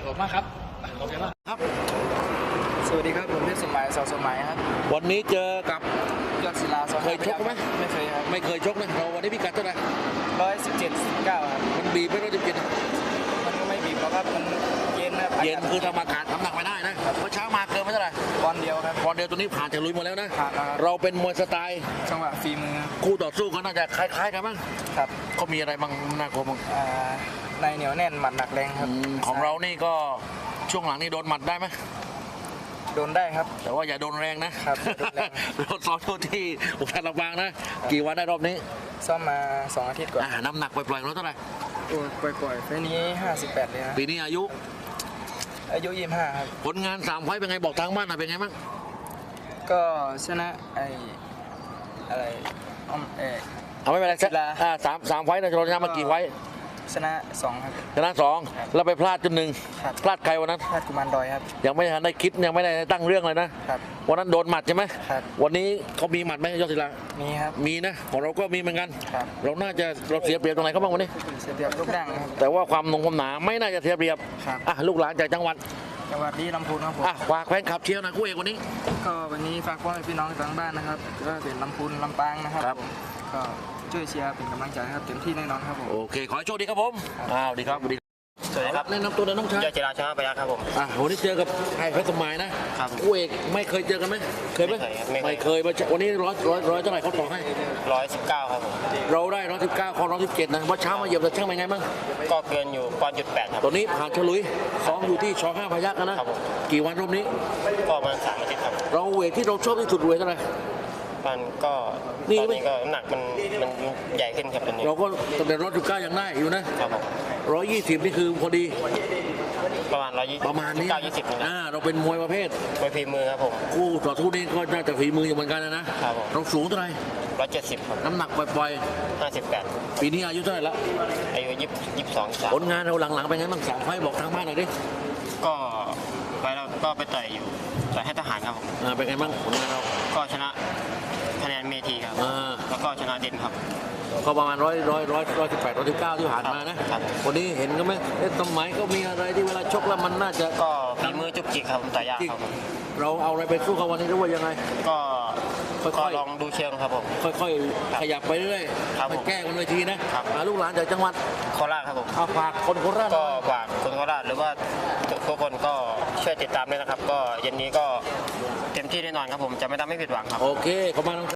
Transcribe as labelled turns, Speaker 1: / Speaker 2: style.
Speaker 1: อบมากครับขอบคุณมาก
Speaker 2: ครับ
Speaker 3: สวัสดีครับผมเพชรสมัยสมัยครับ
Speaker 2: วันนี้เจอกับ
Speaker 3: ยอดศิลา
Speaker 2: เคยชกไหม
Speaker 3: ไม่เคยครับ
Speaker 2: ไม่เคยชกนะเราวันนี้พิกัดเท่าไหร่
Speaker 3: 117-19ครับ
Speaker 2: มันบีบไม่117
Speaker 3: มันก็ไม่บีบหรอกครับมันเย็นครับ
Speaker 2: เย็นคือทำอากาศน้ำหนักไม่ได้นะเมื่อเช้ามาเกินไม่เท่าไหร่
Speaker 3: ปอนเดียวครับ
Speaker 2: ปอนเดียวตัวนี้ผ่านจากลุยหมดแล้วนะ
Speaker 3: ผ่านแล้วครับ
Speaker 2: เราเป็นมวยสไตล์
Speaker 3: จังหวะฝีมือ
Speaker 2: คู่ต่อสู้ก็น่าจะคล้ายๆกันบ้าง
Speaker 3: ครับ
Speaker 2: เขามีอะไรบ้างน่ากลัวบ้าง
Speaker 3: ในเหนียวแน่นหมัดหนักแรงครับ
Speaker 2: ของเรานี่ก็ช่วงหลังนี่โดนหมัดได้ไหม
Speaker 3: โดนได้ครับ
Speaker 2: แต่ว่าอย่าโดนแรงนะครับเราซ้อมที่อุทัยลำปางนะกี่วันได้รอบนี้
Speaker 3: ซ้อมมา2 อาทิตย์ก่อน
Speaker 2: น้ำหนักปล่อยๆเราเท่าไหร่
Speaker 3: ปล่อยๆไฟนี้58เลยนะ
Speaker 2: ปีนี้อายุ
Speaker 3: 25ครับ
Speaker 2: ผลงาน3 ไฟต์เป็นไงบอกทางบ้านหน่อยเป็นไงบ้าง
Speaker 3: ก็ชนะอะไร
Speaker 2: เอาไม่เป็นไรสามไฟต์นะเราชนะมากี่ไฟต์
Speaker 3: ชนะ2ครับ
Speaker 2: ชนะ2แล้วไปพลาดจน1พลาดใครวันนั้น
Speaker 3: พลาดกุมารดอยครับ
Speaker 2: ยังไม่ทันได้คิดยังไม่ได้ตั้งเรื่องเลยนะครับวันนั้นโดนหมัดใช่ไหม
Speaker 3: ครับ
Speaker 2: วันนี้เขามีหมัดไหมยอดศิลา
Speaker 3: มีครับ
Speaker 2: มีนะของเราก็มีเหมือนกัน
Speaker 3: ครับ
Speaker 2: เราน่าจะเสียเปรียบตรงไหนเขาบ้างวันนี้
Speaker 3: เสียเปรียบลูกดังครับ
Speaker 2: แต่ว่าความหนาไม่น่าจะเสียเปรียบ
Speaker 3: ครับ
Speaker 2: ลูกหลานจากจังหวัด
Speaker 3: นี้ลำพูนครับผม
Speaker 2: ฝากแฟนคลับเชียร์นะคู่เอกวันนี้
Speaker 3: ก็วันนี้ฝากพ่อแม่พี่น้องทางบ้านนะครับก็เป็นลำพูนลำปางนะครับก็ช่วยเชียร์เป็นกำลังใจครับเต็มที่แน่นอนครับผม
Speaker 2: โอเคขอให้โชคดีครับผมดีครับ
Speaker 1: สวัสดีครับ
Speaker 2: แนะนำตัวน้องชาย
Speaker 1: ยอดศิลาชนะไปแล้วครับผม
Speaker 2: วันนี้เจอกับไอ้เพชรสมัยนะครับคู่เอกไม่เคยเจอกันไหมเคยไหมไม่เคยวันนี้ร้อยเท่าไหร่เขาต่อให้
Speaker 1: 119ครับผม
Speaker 2: เราได้119ของ117นะว่าเช้ามาเหยียบแต่ช่างเป็นไงบ้าง
Speaker 1: ก็เกินอยู่1.8ครับ
Speaker 2: ตัวนี้ผ่านฉลุยซ้อมอยู่ที่ช.5 พยัคฆ์นะครับกี่วันรอบนี้
Speaker 1: ก็ประมาณ3 อาทิตย์ครับ
Speaker 2: เราเวทที่เราชอบที่สุดเวทเท่าไหร่
Speaker 1: มันก็ตอนนี้ก็น้ำหนักมันใหญ่ขึ้นครับตอนนี้
Speaker 2: เราก็ตั้งแต่119ยังได้อยู่นะครับผม120นี่คือพอดี
Speaker 1: ประมาณ120
Speaker 2: ประมาณนี้
Speaker 1: 20
Speaker 2: เราเป็นมวยประเภท
Speaker 1: มวยฝีมือครับผม
Speaker 2: คู่ต่อสู้นี้ก็น่าจะฝีมืออยู่เหมือนกันนะครับผมเราสูงเท่าไหร่
Speaker 1: 170ครับ
Speaker 2: น้ำหนักปล่อย
Speaker 1: 58
Speaker 2: ปีนี้อายุเท่าไหร่ละ
Speaker 1: อายุ22
Speaker 2: ผลงานเราหลังๆเป็นไงบ้าง3 ไฟต์บอกทางบ้านหน่อยดิ
Speaker 1: ก็ไปแล้วก็ไปต่อยอยู่ต่อยให้ทหารครับผม
Speaker 2: เป็นไงบ้างผลงานเรา
Speaker 1: ก็ชนะคะแนนเมทีครับแล้วก็ชนะเด่นครับ
Speaker 2: ก็ประมาณ118 119ที่ผ่านมานะวันนี้เห็นก็ไหมสมัยก็มีอะไรที่เวลาชกแล้วมันน่าจะ
Speaker 1: ก็ฝีมือจุกจิกครับต่อยยากครับ
Speaker 2: เราเอาอะไรไปสู้เขาวันนี้หรือว่ายังไง
Speaker 1: ก็ค่อยๆลองดูเชิงครับผม
Speaker 2: ค่อยๆขยับไปเรื่อยๆไปแก้กันเลยทีนะลูกหลานจากจังหวัด
Speaker 1: โคราชครับผม
Speaker 2: ฝากคนโคราช
Speaker 1: ก็ฝากคนโคราชหรือว่าทุกคนก็ช่วยติดตามด้วยนะครับก็เย็นนี้ก็เต็มที่แน่นอนครับผมจะไม่ทำให้ผิดหวังครับ
Speaker 2: โอเคขอบคุณ